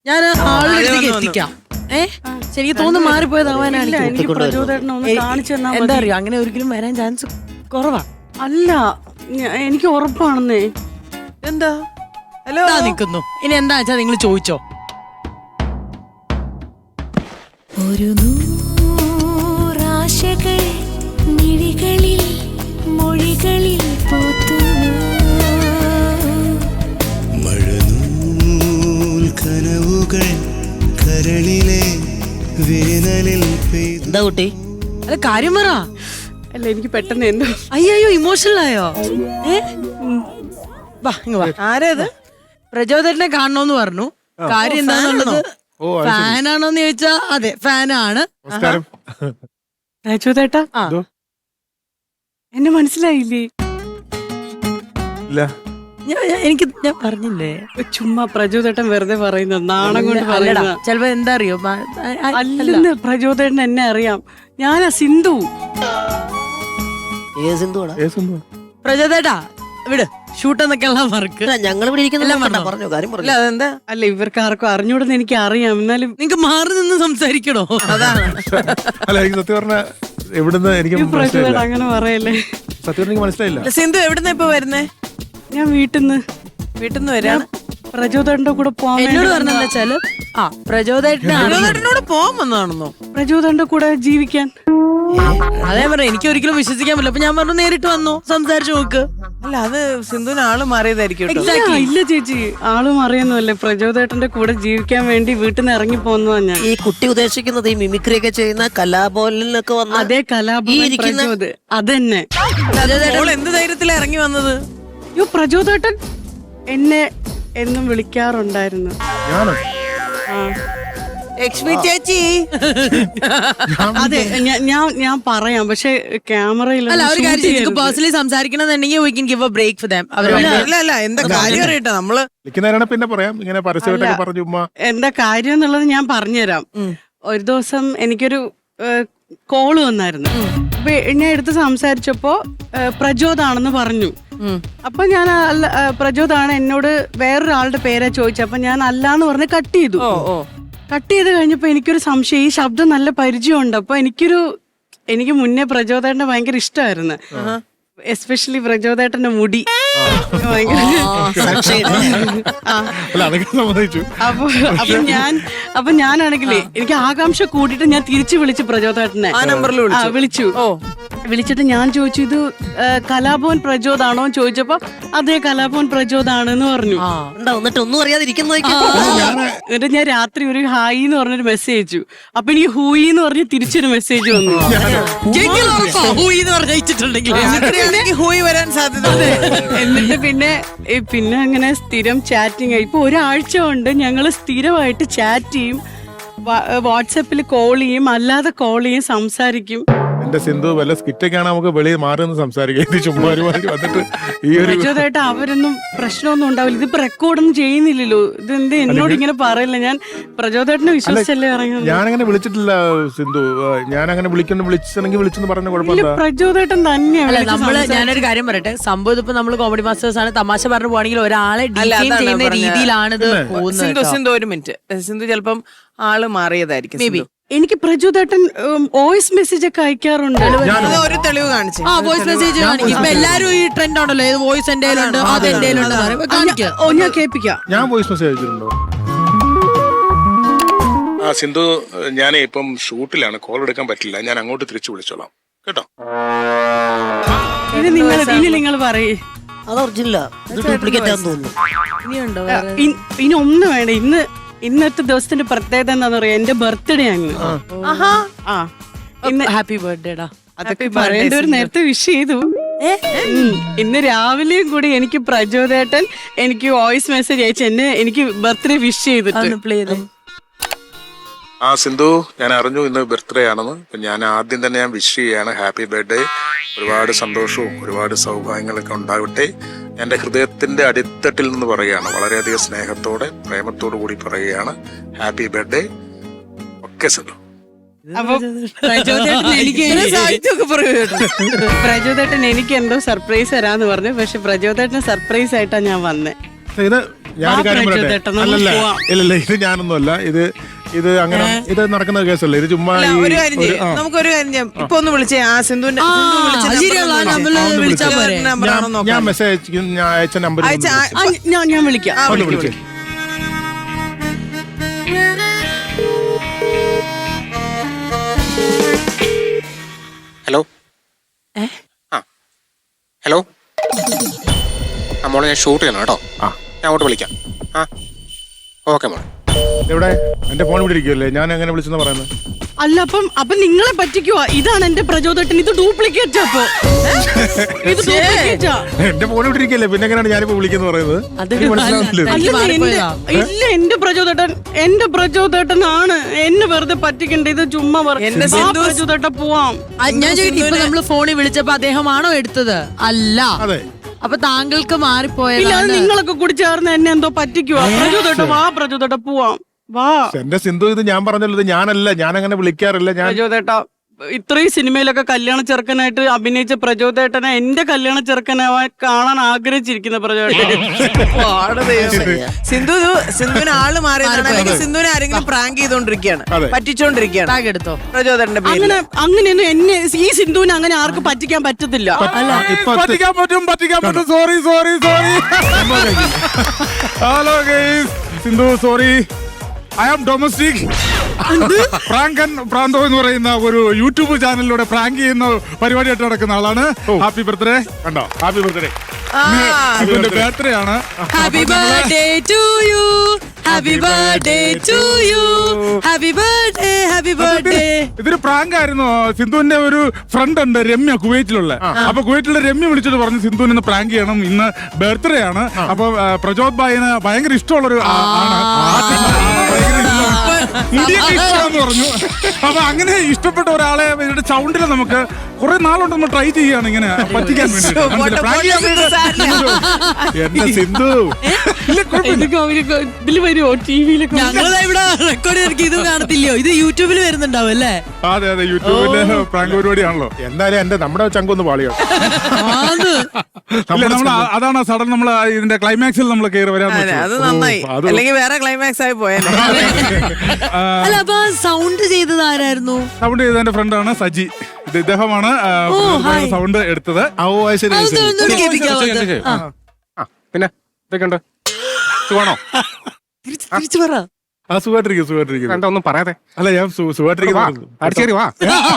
ഞാൻ ആളുകളിലേക്ക് എത്തിക്കാം. ശരിക്കും തോന്നുന്നു മാറിപ്പോയതാവാനാണ്. എന്താ അറിയോ, അങ്ങനെ ഒരിക്കലും വരാൻ ചാൻസ് കുറവാ. അല്ല, എനിക്ക് ഉറപ്പാണെന്നേ. എന്താ ഹലോ നിക്കുന്നു. ഇനി എന്താ വെച്ചാ നിങ്ങൾ ചോദിച്ചോ. ഒരു നൂറാശകൾ മിഴികളിൽ മൊഴികളിൽ മഴനൂൽ കനവുകൾ കരളിലെ വേനലിൽ പെയ്തു. എന്താ കുട്ടി? അത് കാര്യം പറ. അല്ല, എനിക്ക് പെട്ടെന്ന് എന്തോ അയ്യോ ഇമോഷണൽ ആയോ? വാ ഇങ്ങ് വാ. ആരത്? പ്രചോദനെ കാണണോന്ന് പറഞ്ഞു. കാര്യം എന്താണെന്നുള്ളത് ഫാനാണോന്ന് ചോദിച്ചാ അതെ ഫാനാണ്. രാജുതേട്ടാ, എന്നെ മനസ്സിലായില്ലേ? എനിക്ക് ഞാൻ പറഞ്ഞില്ലേ, ചുമ്മാ പ്രചോദേട്ടൻ വെറുതെ പറയുന്നത്, നാണം കൊണ്ട് പറയണ. ചെലപ്പോ എന്താ അറിയോ, അല്ലെന്ന് പ്രചോദേട്ടൻ എന്നെ അറിയാം. ഞാനാ സിന്ധു. പ്രചോദേട്ടാ വിട്, ഷൂട്ട് എന്നൊക്കെയുള്ള വർക്ക് ഞങ്ങൾ ഇവിടെ ഇരിക്കുന്നില്ല. പറഞ്ഞോ, കാര്യം പറഞ്ഞു. അതെന്താ? അല്ല, ഇവർക്ക് ആർക്കും അറിഞ്ഞൂടെന്ന് എനിക്ക് അറിയാം. എന്നാലും നിങ്ങക്ക് മാറി നിന്ന് സംസാരിക്കണോ? അതാണ്. അല്ല, എനിക്ക് സത്യം പറഞ്ഞ എവിടുന്ന് എനിക്ക് പ്രചോദേട്ടൻ അങ്ങനെ പറയല്ലേ. സത്യം എനിക്ക് മനസ്സിലായില്ല. സിന്ധു എവിടുന്ന ഇപ്പൊ വരുന്നേ? ഞാൻ വീട്ടിൽ നിന്ന് വരാണ്. പ്രചോദേട്ടന്റെ കൂടെ പോവാൻ എന്നോട് പറഞ്ഞെന്ന് വെച്ചാല് പ്രചോദനോട് പോകാൻ വന്നതാണെന്നോ? പ്രചോദന്റെ കൂടെ ജീവിക്കാൻ. അതേ പറഞ്ഞു, എനിക്ക് ഒരിക്കലും വിശ്വസിക്കാൻ പറ്റില്ല. അപ്പൊ ഞാൻ പറഞ്ഞു നേരിട്ട് വന്നു സംസാരിച്ചു നോക്ക്. അല്ല, അത് സിന്ധുവിന് ആള് മാറിയതായിരിക്കും കേട്ടോ. ഇല്ല ചേച്ചി, ആളും അറിയുന്നല്ലേ. പ്രചോദേട്ടന്റെ കൂടെ ജീവിക്കാൻ വേണ്ടി വീട്ടിൽ നിന്ന് ഇറങ്ങി പോന്നതാ ഞാൻ. ഈ കുട്ടി ഉദ്ദേശിക്കുന്നത് ഈ മിമിക്രി ഒക്കെ ചെയ്യുന്ന കലാഭവനിലൊക്കെ വന്ന അതേ കലാഭവൻ പ്രചോദ്. അതന്നെ. മോള് എന്ത് ധൈര്യത്തിലാ ഇറങ്ങി വന്നത്? യോ, പ്രചോദേട്ടൻ എന്നെ എന്നും വിളിക്കാറുണ്ടായിരുന്നു. ലക്ഷ്മി ചേച്ചി. അതെ, ഞാൻ പറയാം, പക്ഷെ ക്യാമറയിൽ അല്ല ഒരു കാര്യം പേഴ്സണലി സംസാരിക്കണമെന്നുണ്ടെങ്കിൽ we can give a break for them. അല്ല എന്താ കാര്യം അറിയട്ടെ നമ്മള് വിളിക്കുന്നവരാണ് പിന്നെ പറയാം. ഇങ്ങനെ പരസ്യമായിട്ടൊക്കെ പറഞ്ഞു ഉമ്മ എന്താ കാര്യം എന്നുള്ളത് ഞാൻ പറഞ്ഞുതരാം. ഒരു ദിവസം എനിക്കൊരു കോള് വന്നായിരുന്നു. അപ്പൊ ഞാൻ എടുത്ത് സംസാരിച്ചപ്പോ പ്രചോദാണെന്ന് പറഞ്ഞു. അപ്പൊ ഞാൻ പ്രചോദാണ്, എന്നോട് വേറൊരാളുടെ പേരാ ചോദിച്ചു. അപ്പൊ ഞാൻ അല്ലാന്ന് പറഞ്ഞ് കട്ട് ചെയ്തു. കട്ട് ചെയ്ത് കഴിഞ്ഞപ്പോ എനിക്കൊരു സംശയം, ഈ ശബ്ദം നല്ല പരിചയമുണ്ട്. അപ്പൊ എനിക്ക് മുന്നേ പ്രചോദേട്ടനെ ഭയങ്കര ഇഷ്ടമായിരുന്നു. എസ്പെഷ്യലി പ്രചോദേട്ടന്റെ മുടി അപ്പൊ ഞാനാണെങ്കിലേ എനിക്ക് ആകാംക്ഷ കൂട്ടിട്ട് ഞാൻ തിരിച്ചു വിളിച്ചു പ്രചോദേട്ടനെ. വിളിച്ചു. വിളിച്ചിട്ട് ഞാൻ ചോദിച്ചു, ഇത് കലാഭവൻ പ്രചോദാണോ എന്ന് ചോദിച്ചപ്പോ അതേ കലാഭവൻ പ്രചോദാണെന്ന് പറഞ്ഞു. എന്നിട്ട് ഒന്നും അറിയാതിരിക്കുന്ന എന്നിട്ട് ഞാൻ രാത്രി ഒരു ഹായ് എന്ന് പറഞ്ഞൊരു മെസ്സേജ് അയച്ചു. അപ്പൊ എനിക്ക് ഹൂയി എന്ന് പറഞ്ഞ് തിരിച്ചൊരു മെസ്സേജ് വന്നു. ഹൂയി വരാൻ സാധ്യത. എന്നിട്ട് പിന്നെ അങ്ങനെ സ്ഥിരം ചാറ്റിങ് ആയി. ഇപ്പൊ ഒരാഴ്ച കൊണ്ട് ഞങ്ങള് സ്ഥിരമായിട്ട് ചാറ്റ് ചെയ്യും, വാട്സാപ്പിൽ കോൾ ചെയ്യും, അല്ലാതെ കോൾ ചെയ്യും, സംസാരിക്കും. എന്റെ സിന്ധു വല്ല സ്കിറ്റൊക്കെയാണ് നമുക്ക് വെളിയിൽ മാറി നിന്ന് സംസാരിക്കാം. ഇത് ചുമ്മാ വന്നിട്ട് ഈ ഒരു പ്രചോദായിട്ട് അവരൊന്നും പ്രശ്നമൊന്നും ഉണ്ടാവില്ല. ഇതിപ്പോ റെക്കോർഡൊന്നും ചെയ്യുന്നില്ലല്ലോ. ഇതെന്ത് എന്നോട് ഇങ്ങനെ പറയില്ല. ഞാൻ പ്രചോദേട്ടനെ വിശ്വസിച്ചല്ലേ പറയുന്നത്. ഞാനങ്ങനെ വിളിച്ചിട്ടില്ല സിന്ധു. ഞാനങ്ങനെ വിളിച്ചെങ്കിൽ വിളിച്ചെന്ന് പറഞ്ഞ കുഴപ്പമില്ല. പ്രചോദേട്ടൻ തന്നെയാണ്. ഞാനൊരു കാര്യം പറയട്ടെ, സംഭവം ഇതിപ്പോ നമ്മള് കോമഡി മാസ്റ്റേഴ്സ് ആണ്, തമാശ പറഞ്ഞു പോവാണെങ്കിൽ ഒരാളെ ഡിഫൈൻ ചെയ്യുന്ന രീതിയിലാണ് ഇത് പോകുന്നത്. സിന്ധു ഒരു മിനിറ്റ്. സിന്ധു ചിലപ്പം ആള് മാറിയതായിരിക്കും. എനിക്ക് പ്രചോദേട്ടൻ വോയിസ് മെസ്സേജ് ഒക്കെ അയക്കാറുണ്ട്. ഒരു തെളിവ് കാണിച്ചു. വോയിസ് മെസ്സേജ് കാണിക്കും. ഇപ്പൊ എല്ലാരും ഈ ട്രെൻഡ് ആണല്ലോ, വോയിസ് എന്റെ ഉണ്ട്, അത് എന്റെ ഉണ്ട്. ഞാൻ കേൾപ്പിക്കാം. ഞാൻ വോയിസ് മെസ്സേജ് അയച്ചിട്ടുണ്ടോ? സിന്ധു, ഞാൻ ഇപ്പം ഷൂട്ടിലാണ്, കോൾ എടുക്കാൻ പറ്റില്ല. ഞാൻ അങ്ങോട്ട് തിരിച്ചു വിളിച്ചോളാം കേട്ടോ. ഇനി നിങ്ങൾ പറയേ. അത് ഒറിജിനല, ഡ്യൂപ്ലിക്കേറ്റ് ആണെന്ന് തോന്നുന്നു. ഇനി ഒന്നും വേണ്ട. ഇന്നത്തെ ദിവസത്തിന്റെ പ്രത്യേകത എന്താന്ന് പറയാ, എന്റെ ബർത്ത്ഡേ ആണ്. ഹാപ്പി ബർത്ത്ഡേ ഡാ. അതൊക്കെ പറയേണ്ട ഒരു നേരത്തെ വിഷ് ചെയ്തു. ഇന്ന് രാവിലെയും കൂടി എനിക്ക് പ്രചോദേട്ടൻ എനിക്ക് വോയിസ് മെസ്സേജ് അയച്ചു എനിക്ക് ബർത്ത്ഡേ വിഷ് ചെയ്തിട്ട്. സിന്ധു, ഞാൻ അറിഞ്ഞു ഇന്ന് ബർത്ത്ഡേ ആണെന്ന്. ഞാൻ ആദ്യം തന്നെ ഞാൻ വിഷ് ചെയ്യാണ്, ഹാപ്പി ബർത്ത്ഡേ. ഒരുപാട് സന്തോഷവും ഒരുപാട് സൗഭാഗ്യങ്ങളൊക്കെ ഉണ്ടാവട്ടെ. എൻ്റെ ഹൃദയത്തിന്റെ അടിത്തട്ടിൽ നിന്ന് പറയുകയാണ്, വളരെയധികം സ്നേഹത്തോടെ പ്രേമത്തോടു കൂടി പറയുകയാണ്, ഹാപ്പി ബർത്ത്ഡേ. ഓക്കെ സിന്ധു. അപ്പൊ പ്രചോദേട്ടൻ എനിക്ക് എന്തോ സർപ്രൈസ് തരാന്ന് പറഞ്ഞു. പക്ഷെ പ്രചോദേട്ടന് സർപ്രൈസ് ആയിട്ടാ ഞാൻ വന്നേ. ഇത് ഞാനൊരു കാര്യം പറയട്ടെ. പ്രചോദേട്ടാ, നമുക്ക് അല്ലല്ല പോവാം. ഇല്ലല്ല ഇത് ഞാനൊന്നുമല്ല. ഇത് അങ്ങനെ ഇത് നടക്കുന്ന കേസല്ല. ഇത് ചുമ്മാ അല്ല, ഈ ഒരു കാര്യം ചെയ്യും, നമുക്കൊരു കാര്യം ചെയ്യാം. ഇപ്പൊ ഒന്ന് വിളിച്ചേ ആ സിന്ധുവിന്റെ നമ്പറാണോ ഞാൻ മെസ്സേജ് അയച്ചിരിക്കും. ഞാൻ അയച്ച നമ്പർ ഞാൻ വിളിക്കാം. ഒന്ന് വിളിച്ചേ. ഹലോ ഹലോ മോളെ ഞാൻ ഷൂട്ട് ചെയ്യണം കേട്ടോ. ഞാൻ അങ്ങോട്ട് വിളിക്കാം. ഓക്കെ മോളെ. എവിടെ എന്റെ ഫോൺ ഇവിടെ ഇരിക്കുമല്ലേ? ഞാൻ എങ്ങനെ വിളിച്ചെന്ന് പറയുന്നത്? അല്ല അപ്പൊ നിങ്ങളെ പറ്റിക്കുവാ. ഇതാണ് എന്റെ പ്രചോദട്ടൻ. ഇത് ഡ്യൂപ്ലിക്കേറ്റ് അപ്പൊ ഇത് ഡ്യൂപ്ലിക്കേറ്റാ. എന്റെ ഫോൺ ഇവിടെ ഇരിക്കല്ലേ, പിന്നെ എങ്ങനെയാണ് ഞാനിപ്പോ വിളിക്കുന്നത് പറയുന്നത്? എനിക്ക് മനസ്സിലാവുന്നില്ല. ഇല്ല, എന്റെ പ്രചോദട്ടനാണ് എന്നെ വെറുതെ പറ്റിക്കണ്ട. ഇത് ചുമ്മാ പ്രചോദട്ട പോവാം. ഞാൻ ചോദിക്കും, ഇപ്പൊ നമ്മള് ഫോണിൽ വിളിച്ചപ്പോ അദ്ദേഹമാണോ എടുത്തത്? അല്ല. അതെ. അപ്പൊ താങ്കൾക്ക് മാറിപ്പോയത്. ഇല്ല, അത് നിങ്ങളൊക്കെ കൂടി ചേർന്ന് എന്നെ എന്തോ പറ്റിക്കുവാ. പ്രചോദട്ട വാ, പ്രചോദട്ട പോവാം വാ. എന്റെ സിന്ധു, ഇത് ഞാൻ പറഞ്ഞല്ലോ, ഇത് ഞാനല്ല. ഞാൻ അങ്ങനെ വിളിക്കാറില്ല. ഞാൻ പ്രചോദേട്ട ഇത്രയും സിനിമയിലൊക്കെ കല്യാണ ചെറുക്കനായിട്ട് അഭിനയിച്ച പ്രചോദേട്ടനെ എന്റെ കല്യാണ ചെറുക്കനാവാൻ കാണാൻ ആഗ്രഹിച്ചിരിക്കുന്ന പ്രചോദേട്ടൻ. സിന്ധുവിന് ആള് മാറിയതാണ്, അല്ലെങ്കിൽ സിന്ധുവിനെ ആരെങ്കിലും പ്രാങ്ക് ചെയ്തോണ്ടിരിക്കുകയാണ്, പറ്റിച്ചോണ്ടിരിക്കുകയാണ് എടുത്തോ പ്രചോദന്റെ പേര്. അങ്ങനെയൊന്നും എന്നെ ഈ സിന്ധുവിനെ അങ്ങനെ ആർക്കും പറ്റിക്കാൻ പറ്റത്തില്ല. പറ്റിക്കാൻ പറ്റും. Sorry. Hello guys, Sindhu sorry. I am domestic. പ്രാങ്കൻ പ്രാന്തോ എന്ന് പറയുന്ന ഒരു യൂട്യൂബ് ചാനലിലൂടെ പ്രാങ്ക് ചെയ്യുന്ന പരിപാടിയായിട്ട് നടക്കുന്ന ആളാണ്. Happy birthday. കണ്ടോ, ഹാപ്പി ബർത്ത്ഡേ. ഇതിന്റെ ബർത്ത്ഡേ ആണ്. Happy birthday to you, happy birthday to you, happy birthday, happy birthday. ഇതൊരു പ്രാങ്ക് ആയിരുന്നു. സിന്ധുവിന്റെ ഒരു ഫ്രണ്ട് ഉണ്ട്, രമ്യ, കുവൈറ്റിലുള്ള. അപ്പൊ കുവൈറ്റിലെ രമ്യ വിളിച്ചിട്ട് പറഞ്ഞു സിന്ധുവിന് ഇന്ന് പ്രാങ്ക് ചെയ്യണം, ഇന്ന് ബർത്ത്ഡേ ആണ്. അപ്പൊ പ്രചോദ് ഭായിന് ഭയങ്കര ഇഷ്ടമുള്ളൊരു ആണ്, മുടിയൊക്കെ ഇഷ്ടമാണെന്ന് പറഞ്ഞു. അപ്പൊ അങ്ങനെ ഇഷ്ടപ്പെട്ട ഒരാളെ ഇവരുടെ സൗണ്ടിൽ നമുക്ക് കുറെ നാളുകൊണ്ട് നമ്മൾ ട്രൈ ചെയ്യാണ് ഇങ്ങനെ പറ്റിക്കാൻ വേണ്ടി. എന്റെ സിന്ധു ഇതില് വരുമോ ടിവിയിലൊക്കെ? ഇവിടെ റെക്കോർഡ് ചെയ്തിരിക്കും. ഇത് കാണത്തില്ലയോ? ഇത് യൂട്യൂബിൽ വരുന്നുണ്ടാവും അല്ലേ? അതെ യൂട്യൂബിലെ പ്രാങ്ക് പരിപാടിയാണല്ലോ. എന്തായാലും നമ്മുടെ ചങ്കൊന്ന് പാളിയോ. അതാണ് സഡൻ നമ്മൾ ഇതിന്റെ ക്ലൈമാക്സിൽ നമ്മൾ കയറി വരാൻ. അത് നന്നായി, അല്ലെങ്കിൽ വേറെ ക്ലൈമാക്സ് ആയി പോയാൽ. അല്ല, അപ്പൊ സൗണ്ട് ചെയ്തത് ആരായിരുന്നു? സൗണ്ട് ചെയ്ത എന്റെ ഫ്രണ്ടാണ് സജി. ഇദ്ദേഹമാണ് സൗണ്ട് എടുത്തത്. പിന്നെ ഇതൊക്കെയുണ്ട്. സുഖാണോ? തിരിച്ചു പറ. സുഖമായിട്ടിരിക്കും. എന്താ ഒന്നും പറയാതെ? അല്ല, ഞാൻ സുഖമായിട്ടിരിക്കുന്നു. അടിച്ചേരി വാ.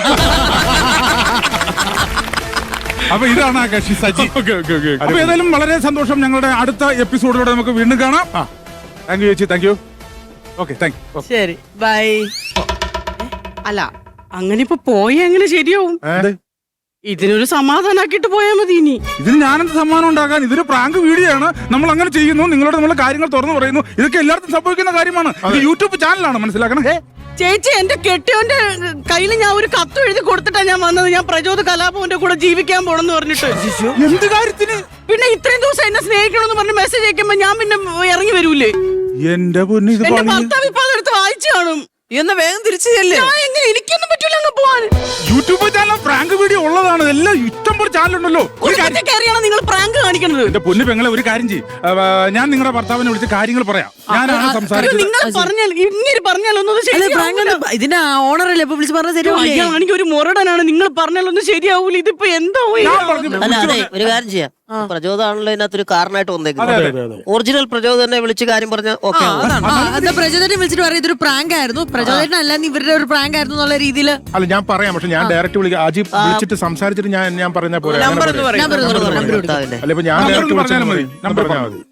അപ്പൊ ഇതാണ് ആ കക്ഷി സജി. അപ്പൊ ഏതായാലും വളരെ സന്തോഷം. ഞങ്ങളുടെ അടുത്ത എപ്പിസോഡിലൂടെ നമുക്ക് വീണ്ടും കാണാം. താങ്ക് യു ചേച്ചി. Thank you. Okay, thank you. ശരി, ബൈ. അല്ല, അങ്ങനെ ഇപ്പൊ പോയ എങ്ങനെ ശരിയാവും? ഇതിനൊരു സമാധാനാക്കിട്ട് പോയാ മതി. ഇനി ഇതിന് ഞാനെന്ത് സമ്മാനം ഉണ്ടാക്കാൻ? ഇതൊരു പ്രാങ്ക് വീഡിയോ ആണ്. നമ്മൾ അങ്ങനെ ചെയ്യുന്നു, നിങ്ങളോട് നമ്മൾ കാര്യങ്ങൾ തുറന്നു പറയുന്നു. ഇതൊക്കെ എല്ലാവർക്കും സംഭവിക്കുന്ന കാര്യമാണ്. ഇത് യൂട്യൂബ് ചാനലാണ്, മനസ്സിലാക്കണേ. ചേച്ചി, എന്റെ കെട്ടിയോന്റെ കയ്യിൽ ഞാൻ ഒരു കത്ത് എഴുതി കൊടുത്തിട്ടാ ഞാൻ വന്നത്. ഞാൻ പ്രചോദ കലാഭവന്റെ കൂടെ ജീവിക്കാൻ പോണെന്ന് പറഞ്ഞിട്ട്. എന്ത് കാര്യത്തിന്? പിന്നെ ഇത്രയും ദിവസം എന്നെ സ്നേഹിക്കണമെന്ന് പറഞ്ഞ് മെസ്സേജ് അയക്കുമ്പോ ഞാൻ പിന്നെ ഇറങ്ങി വരൂലേ? എന്റെ പൊന്നു, എന്റെ ഭർത്താവ് ഇപ്പൊ അതെടുത്ത് വായിച്ചു കാണും. എന്ന് വേഗം തിരിച്ചു ചെല്ലേ. എനിക്കൊന്നും പറ്റൂല അങ്ങ് പോവാൻ. യൂട്യൂബ് ചാനൽ പ്രാങ്ക് വീഡിയോ ഉള്ളതാണ്. എല്ലാം ഇഷ്ടം പോലെ ചാനലുണ്ടല്ലോ. കയറിയാണ് നിങ്ങൾ പ്രാങ്ക് കാണിക്കുന്നത്. എന്റെ പൊന്നു പെങ്ങളെ, ഒരു കാര്യം ചെയ്യും. ഞാൻ നിങ്ങളുടെ ഭർത്താവിനെ വിളിച്ച് കാര്യങ്ങൾ പറയാം. ഞാനാണ് സംസാരിച്ചത്. നിങ്ങൾ പറഞ്ഞാൽ ഇങ്ങനെ പറഞ്ഞാലൊന്നും ഇതിന്റെ ഓണറല്ലേ ഇപ്പൊ വിളിച്ച് പറഞ്ഞാൽ ശരിയാവും. എനിക്ക് ഒരു മുരടനാണ്. നിങ്ങൾ പറഞ്ഞാലൊന്നും ശരിയാവൂല. ഇതിപ്പോ എന്താവും? അല്ല, അതെ, ഒരു കാര്യം ചെയ്യാം. പ്രചോദാണല്ലോ ഇതിനകത്തൊരു കാരണമായിട്ട് വന്നേക്കുന്നത്. ഒറിജിനൽ പ്രചോദനെ വിളിച്ച് കാര്യം പറഞ്ഞ ഓക്കെ. പ്രചോദനെ വിളിച്ചിട്ട് പറയാം ഇതൊരു പ്രാങ്ക് ആയിരുന്നു, പ്രചോദനം അല്ലാന്ന് ഇവരുടെ ഒരു പ്രാങ്ക് ആയിരുന്നു എന്നുള്ള രീതിയിൽ. അല്ല, ഞാൻ പറയാം. പക്ഷെ ഞാൻ ഡയറക്റ്റ് വിളിക്കാം. അജി വിളിച്ചിട്ട് സംസാരിച്ചിട്ട് ഞാൻ പറഞ്ഞ പോലെ. നമ്പർ അല്ല, ഇപ്പൊ ഞാൻ ഡയറക്റ്റ് വിളിച്ചാൽ മതി. നമ്പർ പറഞ്ഞാൽ മതി.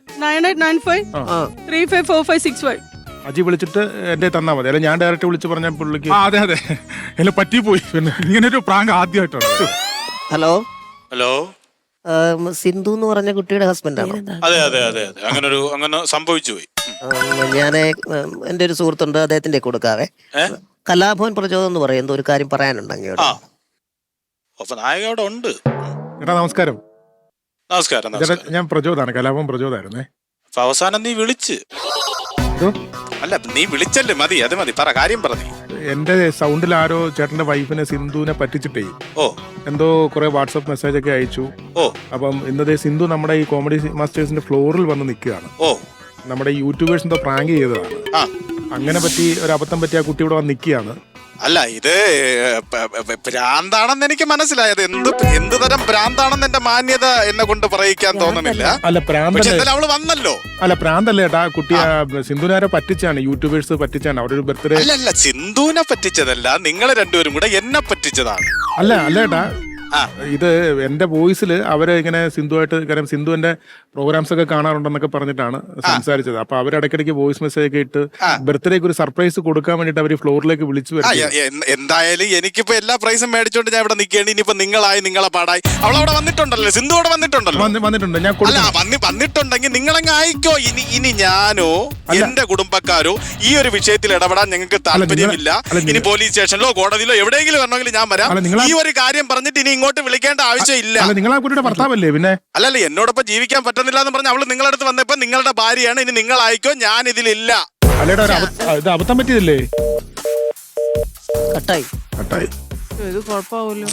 9895354565. അജി വിളിച്ചിട്ട് എന്റെ തന്നാ മതി. അല്ല, ഞാൻ ഡയറക്റ്റ് വിളിച്ച് പറഞ്ഞ പുള്ളിക്ക്. അതെ എല്ലാം പറ്റിപ്പോയി. പിന്നെ ഇങ്ങനെ ഒരു പ്രാങ്ക് ആദ്യമായിട്ടാണ്. ഹലോ ഹലോ, സിന്ധു എന്ന് പറഞ്ഞ കുട്ടിയുടെ ഹസ്ബൻഡാണ്. അതെ അങ്ങനെ സംഭവിച്ചു പോയി. ഞാൻ എന്റെ ഒരു സുഹൃത്തുണ്ട്, അദ്ദേഹത്തിന്റെ കൊടുക്കാവേ. കലാഭവൻ പ്രചോദം എന്ന് പറയും. എന്തോ ഒരു കാര്യം പറയാനുണ്ട് അങ്ങോട്ട്. നായക അവിടെ ഉണ്ട്. എടാ, നമസ്കാരം. നമസ്കാരം. ഞാൻ പ്രചോദാണ്, കലാഭവൻ പ്രചോദായിരുന്നേ. അവസാനം നീ വിളിച്ച്. അല്ല, നീ വിളിച്ചല്ലേ, മതി, അത് മതി, പറ, കാര്യം പറഞ്ഞു. എന്റെ സൗണ്ടിൽ ആരോ ചേട്ടന്റെ വൈഫിനെ സിന്ധുവിനെ പറ്റിച്ചിട്ടേ എന്തോ കുറെ വാട്സപ്പ് മെസ്സേജ് ഒക്കെ അയച്ചു. അപ്പം ഇന്നത്തെ സിന്ധു നമ്മുടെ ഈ കോമഡി മാസ്റ്റേഴ്സിന്റെ ഫ്ലോറിൽ വന്ന് നിൽക്കുകയാണ്. നമ്മുടെ യൂട്യൂബേഴ്സ് എന്തോ പ്രാങ്ക് ചെയ്തതാണ്. ആ. അങ്ങനെ പറ്റി ഒരു അബദ്ധം പറ്റി ആ കുട്ടി ഇവിടെ വന്ന് നിൽക്കുകയാണ്. അല്ല ഇത് ഭ്രാന്താണെന്ന് എനിക്ക് മനസ്സിലായത്. എന്ത് തരം ഭ്രാന്താണെന്ന് എന്റെ മാന്യത എന്നെ കൊണ്ട് പറയിക്കാൻ തോന്നുന്നില്ല. അല്ല പ്രാന്തല്ലേ? പക്ഷെ എന്തായാലും അവള് വന്നല്ലോ. അല്ല പ്രാന്തല്ലേ ഏട്ടാ, കുട്ടി സിന്ധുനാരെ പറ്റിച്ചാണ്, യൂട്യൂബേഴ്സ് പറ്റിച്ചാണ്. അവിടെ ഒരു ബർത്ത്ഡേ. അല്ല സിന്ധുവിനെ പറ്റിച്ചതല്ല, നിങ്ങൾ രണ്ടുപേരും കൂടെ എന്നെ പറ്റിച്ചതാണ്. അല്ല ഏട്ടാ, ഇത് എന്റെ വോയിസിൽ അവര് ഇങ്ങനെ സിന്ധുവായിട്ട്, കാരണം സിന്ധു എന്റെ പ്രോഗ്രാംസ് ഒക്കെ കാണാറുണ്ടെന്നൊക്കെ പറഞ്ഞിട്ടാണ് സംസാരിച്ചത്. അപ്പൊ അവരിടയ്ക്കിടയ്ക്ക് വോയിസ് മെസ്സേജ് ഒക്കെ ഇട്ട് ബർത്ത്ഡേക്ക് ഒരു സർപ്രൈസ് കൊടുക്കാൻ വേണ്ടിട്ട് അവര് ഫ്ലോറിലേക്ക് വിളിച്ചു വരും. എന്തായാലും എനിക്കിപ്പോ എല്ലാ പ്രൈസും മേടിച്ചോണ്ട് ഞാൻ ഇവിടെ നിൽക്കേണ്ടി. ഇനിയിപ്പോ നിങ്ങളെ പാടായി. അവളവിടെ വന്നിട്ടുണ്ടല്ലോ, സിന്ധു അവിടെ വന്നിട്ടുണ്ടല്ലോ. വന്നിട്ടുണ്ട്. ഞാൻ വന്നിട്ടുണ്ടെങ്കിൽ നിങ്ങളങ്ങ് ആയിക്കോ. ഇനി ഞാനോ എന്റെ കുടുംബക്കാരോ ഈ ഒരു വിഷയത്തിൽ ഇടപെടാൻ ഞങ്ങൾക്ക് താല്പര്യമില്ല. ഇനി പോലീസ് സ്റ്റേഷനിലോ കോടതിയിലോ എവിടെയെങ്കിലും വരണമെങ്കിൽ ഞാൻ വരാം. ഈ ഒരു കാര്യം പറഞ്ഞിട്ട് ഇനി ഇങ്ങോട്ട് വിളിക്കേണ്ട ആവശ്യമില്ല. നിങ്ങളാ കുട്ടിയുടെ ഭർത്താവല്ലേ? പിന്നെ അല്ലല്ല, എന്നോടൊപ്പം ജീവിക്കാൻ പറ്റുന്നില്ല എന്ന് പറഞ്ഞ അവള് നിങ്ങളുടെ അടുത്ത് വന്നപ്പോ നിങ്ങളുടെ ഭാര്യയാണ്, ഇനി നിങ്ങളായിക്കോ, ഞാൻ ഇതിലില്ല. അല്ലേടാ, ഇത് അബദ്ധം പറ്റിയതല്ലേ? കട്ടായി. ഇത് കുഴപ്പമാവൂല്ലോ.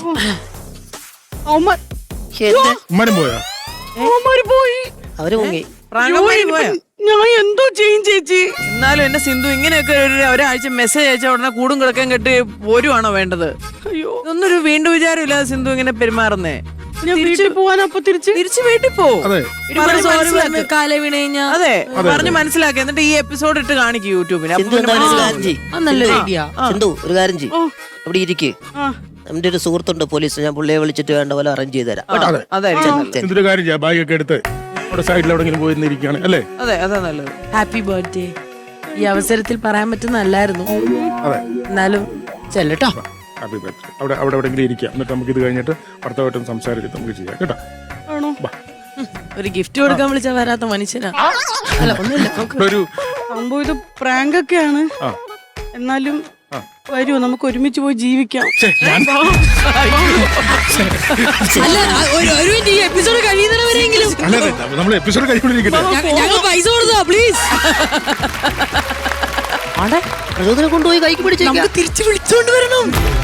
ഉമ്മനും പോയാ? പോയി. അവര് മുങ്ങി. പ്രാങ്കന്മാര് പോയോ? ഞാൻ എന്തോ ചെയ്യും ചേച്ചി. എന്നാലും എന്നെ സിന്ധു ഇങ്ങനെയൊക്കെ ഒരാഴ്ച മെസ്സേജ് അയച്ച ഉടനെ കൂടും കിടക്കാൻ കെട്ടി പോരുവാണോ വേണ്ടത്? അയ്യോ, ഇതൊന്നൊരു വീണ്ടും വിചാരമില്ലാതെ സിന്ധു ഇങ്ങനെ പെരുമാറുന്നേ. ഞാൻ വീട്ടിൽ പോവാൻ അപ്പൊ തിരിച്ച് വീട്ടിൽ പോ. അതെ. കാല വീണ് കഴിഞ്ഞാ അതെ, പറഞ്ഞ് മനസ്സിലാക്കി. എന്നിട്ട് ഈ എപ്പിസോഡ് ഇട്ട് കാണിക്കും യൂട്യൂബിന്. സിന്ധു എന്തായാലും ഒരു കാര്യം ചെയ്യ്. നല്ലൊരു ഐഡിയ. സിന്ധു ഒരു കാര്യം ചെയ്യ്, അവിടെ ഇരിക്ക്. എന്റെ ഒരു സുഹൃത്തുണ്ട് പോലീസ്, ഞാൻ പുള്ളിയെ വിളിച്ചിട്ട് വേണ്ട പോലെ അറേഞ്ച് ചെയ്ത് തരാം. അതായിരിക്കും. എന്തൊരു കാര്യം ചെയ്യാം, ബാഗൊക്കെ എടുത്ത് അവിടെ സൈഡിൽ എവിടെങ്കിലും പോയിരിക്കുകയാണ് അല്ലേ? അതെ, അതാ നല്ലത്. ഹാപ്പി ബർത്ത്ഡേ ഈ അവസരത്തിൽ പറയാൻ പറ്റുന്നല്ലായിരുന്നു. അതെ, എന്നാലും ചെല്ലട്ടോ. Happy birthday. അവിടെ എവിടെയെങ്കിലും ഇരിക്കാം. എന്നിട്ട് നമുക്ക് ഇത് കഴിഞ്ഞിട്ട് ഭർത്താവായിട്ടും സംസാരിച്ചിട്ട് നമുക്ക് ചെയ്യാം കേട്ടോ. ആണോ? ഒരു ഗിഫ്റ്റ് കൊടുക്കാൻ വിളിച്ചാ വരാത്ത മനുഷ്യനാ. അല്ല ഒന്നുമില്ല, ഒരു സംഭവം ഇത് പ്രാങ്ക് ഒക്കെയാണ്. എന്നാലും വരുമോ, നമുക്ക് ഒരുമിച്ച് പോയി ജീവിക്കാം. അല്ല ഒരു മിനിറ്റ്, ഈ എപ്പിസോഡ് കഴിയുന്നവരെങ്കിലും നമ്മൾ എപ്പിസോഡ് കഴിക്കൊണ്ടിരിക്കട്ടെ. ഞങ്ങൾ പൈസ കൊടുത്തോ പ്ലീസ്. പ്രചോദനം കൊണ്ടുപോയി കൈക്ക് പിടിച്ച് നമുക്ക് തിരിച്ചു വിളിച്ചോണ്ട് വരണം.